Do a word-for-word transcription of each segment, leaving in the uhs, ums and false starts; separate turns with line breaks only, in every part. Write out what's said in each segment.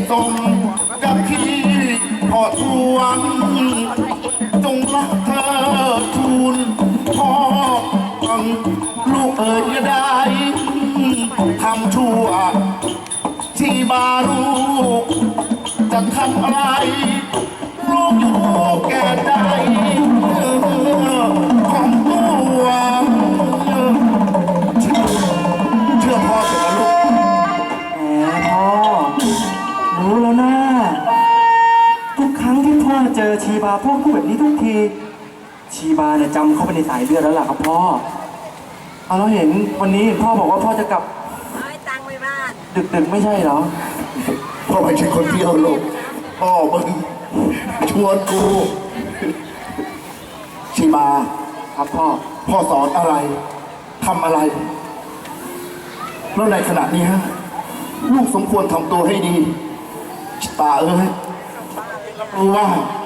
สมกับที่พ่อทวงจงรักเธอทูลพ่อลูกเอ๋ยอย่าได้ทำชั่วที่บาลูกจะทำอะไรลูกอยู่แก่ใจของตัวเชื่อพ่อเถอะลูก
แหมพ่อรู้แล้วนะทุกครั้งที่พ่อเจอชีบาพ่อพูดแบบนี้ทุกทีชีบาเนี่ยจำเข้าไปในสายเลือดแล้วล่ะครับพ่อเอาเราเห็นวันนี้พ่อบอกว่าพ่อจะกลับ
เอาให้ตังค์ไปบ้าน
ดึกๆไม่ใช่เหรอ
พ่อไม่ใช่คนเที่ยวลูกพ่อมึงชวนกูชีบา
ครับพ่อ
พ่อสอนอะไรทำอะไรแล้วในขณะนี้ฮะลูกสมควรทำตัวให้ดีตาเอ้ยรู้ว่า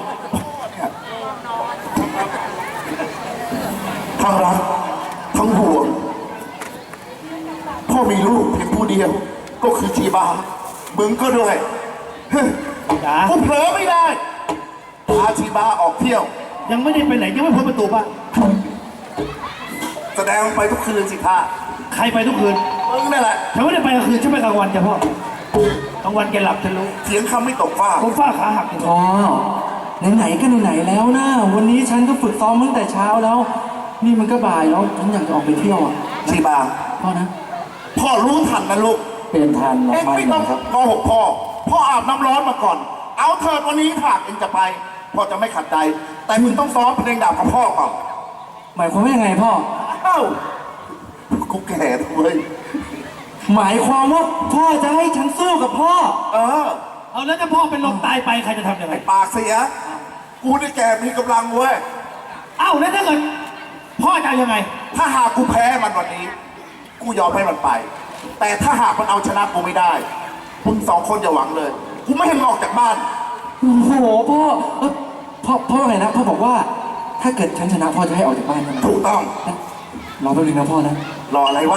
ทั้งรักทั้งห่วงพ่อมีลูกเพียงผู้เดียวก็คือชีบามึงก็ด้วยกูเผลอไม่ได้พาชีบาออกเที่ยว
ยังไม่ได้ไปไหนยังไม่พ้นประตูบ้าน
แสดงไปทุกคืนสิท่า
ใครไปทุกคืน
มึงนั่นแหละ
ฉันไม่ได้ไปกลางคืนฉันไปกลางวันจ้ะพ่อกลางวันแกหลับฉันรู้
เสียงคำไม่ตกฟ้า
ผมฟ้าขาหัก
พ่อไหนๆก็ไหนๆแล้วนะวันนี้ฉันก็ฝึกซ้อมตั้งแต่เช้าแล้วนี่มันก็บ่ายแล้วฉันอยากจะออกไปเที่ยวอ่ะ
ชีบา
พ่อนะ
พ่อรู้ทันนะลูก
เป็นทัน
เอ็งไม่ต้องโกหกพ่อพ่ออาบน้ำร้อนมาก่อนเอาเถิดวันนี้ถ้าเอ็งจะไปพ่อจะไม่ขัดใจแต่มึงต้องซ้อมเพลงดาบกับพ่อก่อน
หมายความว่ายังไงพ่อ
เอ้ากูแก่เลย
หมายความว่าพ่อจะให้ฉันสู้กับพ่อ
เออ
เอาแล้วถ้าพ่อเป็นลมตายไปใครจะทำยังไง
ปากเสียกูนี่แก่มีกำลังเว้ย
เอ้าแล้วถ้าเกิดพ่อจะยังไง
ถ้าหากกูแพ้มันวันนี้กูยอมให้มันไปแต่ถ้าหากมันเอาชนะกูไม่ได้มึงสองคนอย่าหวังเลยกูไม่ให้มึงออกจากบ้าน
โอ้โหพ่อพ่อพ่อไงนะพ่อบอกว่าถ้าเกิดฉันชนะพ่อจะให้ออกจากบ้านใช่ไหม
ถูกต้อง
รอแป๊บนึงนะพ่อนะ
รออะไรวะ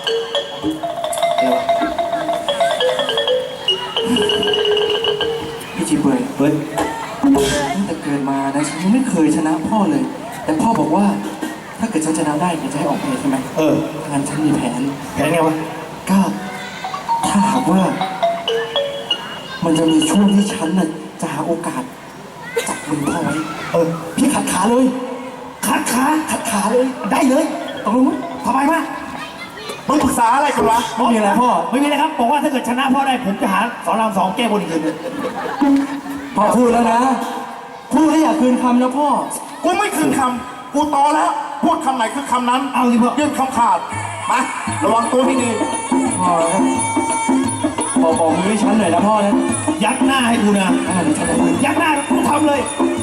พี่จีเบยเฮ้ยตั้งแต่เกิดมานะฉันยังไม่เคยชนะพ่อเลยแต่พ่อบอกว่าถ้าเกิดฉันชนะได้จะให้ออกไปใช่ไหม
เออ
งั้นฉันมีแผน
แผนไงวะ
ก็ถ้าหากว่ามันจะมีช่วงที่ฉันน่ะจะหาโอกาสจับมือพ่อไว้
เออ
พี่ขัดขาเลย
ขัดขา
ขัดขาเลย
ได้เลย
ตกลงไหม
ทำไมวะ
มึงปรึกษาอะไรกันวะ
ไม่มีอะไรพ่อ
ไม่มีอะไรครับบอกว่าถ้าเกิดชนะพ่อได้ผมจะหาสอนรามสองแก้บนอีกคืน
พ่อพูดแล้วนะพูดแล้วอย่าคืนคำนะพ่อ
กูไม่คืนคำกูโตแล้วพูดคำไหนคือคำนั้น
เอาสิพ่อ
ยื่นคำขาดมาระวังตัวให้ดี
พ่อพ่อบอกมือให้ฉันหน่อยนะพ่อนะ
ยักหน้าให้กูนะยักหน้ากูทำเลย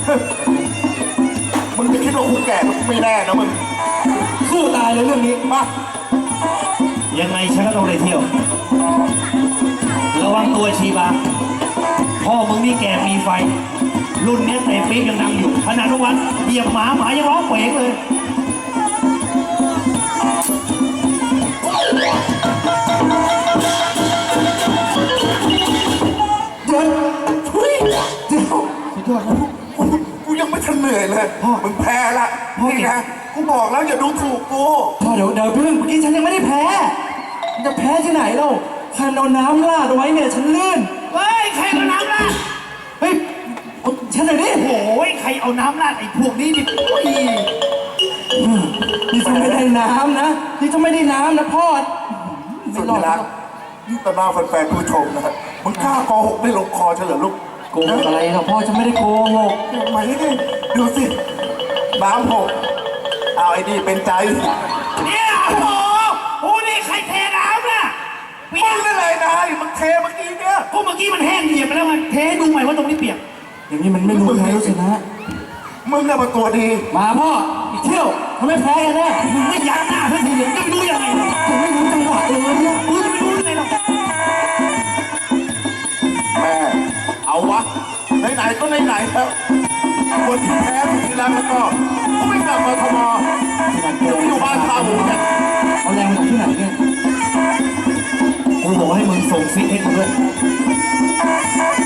มึงจะคิดว่ากูแก่มึงไม่แน่นะมึง
สู้ตายเลยเรื่องนี้
มา
ยังไงฉันก็ต้องได้เที่ยวระวังตัวชีบาพ่อมึงนี่แก่มีไฟรุ่นนี้เตะปี๊บยังดังอยู่ขนาดทุกวันเหยียบหมาหมายังร้องเป๋งเลย
เดี๋ยวทุยเดี๋ยวสุดยอดนะกูกูยังไม่ทันเหนื่อยเลยพ่อมึงแพ้ละนี่นะกูบอกแล้วอย่าดูถูกกู
พ่อเดี๋ยวเดี๋ยวเพิ่งเมื่อกี้ฉันยังไม่ได้แพ้จะแพ้ที่ไหนเล่าฉันเอาน้ำราดเอาไว้เนี่ยฉันลื่น
เฮ้ยใครเอาน้ำราด
เฮ้ยฉันเลยดิ
โอ้ยใครเอาน้ำราดไอ้พวกนี้ดิ
นี่จะไม่ได้น้ำนะนี่จะไม่ได้น้ำนะพ่อ
สุดรักนี่ต่อหน้าแฟนๆผู้ชมนะมึงกล้าโกหกไม่ลงคอเฉลิมลูก
โกหกอะไรครับพ่อฉันไม่ได้โกหก
มาดิดูสิน้ำหกเอาไอ้นี่เป็นใจ
เนี่ยโอ้โหนี่ใครเทน้ำน่ะ
มึงอะไรนายมึงเทเมื่อกี้เนี่ย
ก็เมื่อกี้มันแห้งเหยียบไปแล้วมันเทดูใหม่ว่าตรงนี้เปียก
อย่างนี้มันไม่รู้ใครรู้ชนะ
มึงน่ะมาตัวดี
มาพ่ออีกเที่ยวทำไมแพ้กันแน่
มึงไม่ยักหน้าเพื่อนทีเดียวจะไปรู้ยังไง
ผมไม่รู้จังหวะเลยเนี่ย
มึงจะไปรู้ยังไงหรอก
แม่เอาวะไหนๆก็ไหนๆแล้วคนที่แพ้ที่แล้วมันก็ไม่กลับมาทมอยู่บ้านพาหมูเนี่ย
เอาแรงจากที่ไหนเนี่ย
กูบอกให้มึงส่งซิกให้กูด้วย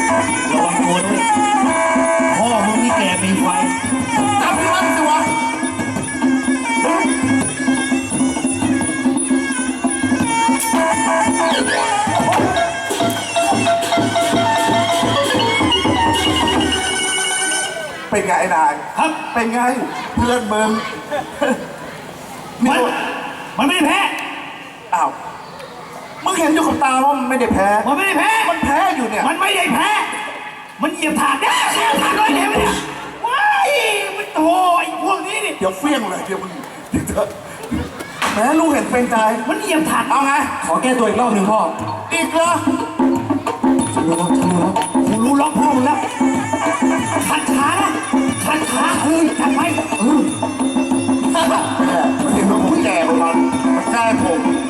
เป็นไงไอ้นาย
ครับ
เป็นไงเพื่อนมึง
มันมันไม่ได้แพ้
อ้าวมึงเห็นอยู่กับตาว่ามันไม่ได้แพ้
มันไม่ได้แพ้
มันแพ้อยู่เนี่ย
มันไม่ได้แพ้ มันเหยียบถาดเนี่ยเหยียบถาดเลยเห็นไหมเนี่ยว้ายมันโถไอ้พวกนี้นี่
เดี๋ยวเฟี้ยงเลยเดี๋ยวมึงเดี๋ยวเถอะแม้ลูกเห็นเป็นใจ
มันเหยียบถาด
เอาไง
ขอแก้ตัวอีกรอบหนึ่งพ่อ
อีกเหรอ
ฉันรู้แล้วฉันรู้แล้ว
กูรู้ล็อกพ่อมึงแล้วขัดขานะขัดขาเฮ้ยจัดไปเออ
แม่มันเห็นว่าผมแก่กว่ามันมันแกล้งผม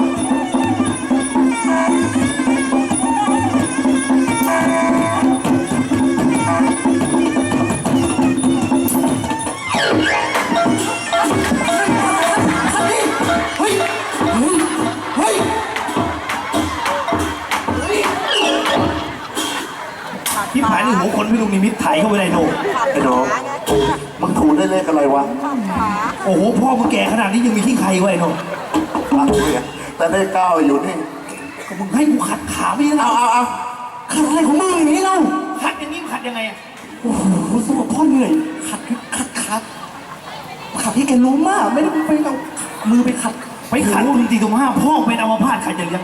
เฮ้ย เฮ้ย เฮ้ย
ที่ผ่านนี่หัวคนพี่ลุงนิมิตไถเข้าไปในโหนก
ไอ้หนูมึงถูได้เลขอะไรวะ
โอ้โหพ่อมึงแก่ขนาดนี้ยังมีขี้ใครไว้ไอ้โหนก
รักเลยแต่ได้เก้าอยู่นี่
ก็มึงให้กูขัดขาไม่ได้
เอา
เอา
เอาเอา
ขัดอะไรของมึงอย่างนี้เล่า
ขัดอย่างนี้มึงขัดยังไงอะ
โอ้โหสมองพ่อเหนื่อย ขัดขัดขัดขัดที่แกล้มมาก ไม่ได้ไปเอามือไปขัด
ไปขัดมึงตีตรงห้าพ่อเป็นอัมพาตใครจะเลี้ยง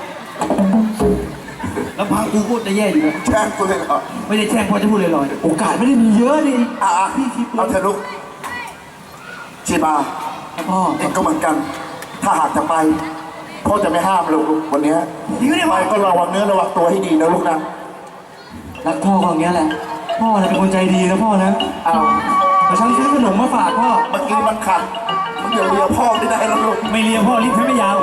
แล้วพังกูก็จะแย่อยู่นะ
แช่งกูเลยเหรอ
ไม่ได้แช่งพ่อจะพูดลอย
โอกาสไม่ได้มีเยอะดิ
อ่ะอ่ะเอาเถอะลูกชีบา
ครับพ่อ
เองก็เหมือนกัน ถ้าหากจะไปพ่อจะไม่ห้ามลูกวันเนี้ย
ๆจริงไหมเนี่ย
ไป
พ่อ
ก็ระวังเนื้อระวังตัวให้ดีนะลูกนะ
รักพ่อก็อย่างเงี้ยแหละ พ่อน่ะเป็นคนใจดีนะพ่อนะ
เอา
แต่ฉันซื้อขนมมาฝากพ่อ
เมื่อกี้มันขัดมันเดี๋ยวเรียพ่อไม่ได้แล้วลูก
ไม่เลียพ่อลิ้นฉันไม่ยาว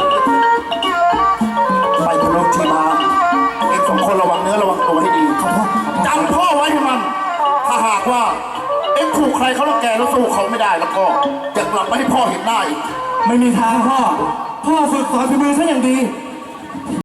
ไปเถอะลูกชีบาเองสองคนระวังเนื้อระวังตัวให้ดีจำพ่อไว้ให้มัน ถ้าหากว่าเอ็งถูกใครเขาแล้วแกแล้วสู้เขาไม่ได้แล้วก็จะกลับมาให้พ่อเห็นหน้าอีก
ไม่มีทางพ่อ พ่อฝึกสอนฝีมือฉันอย่างดี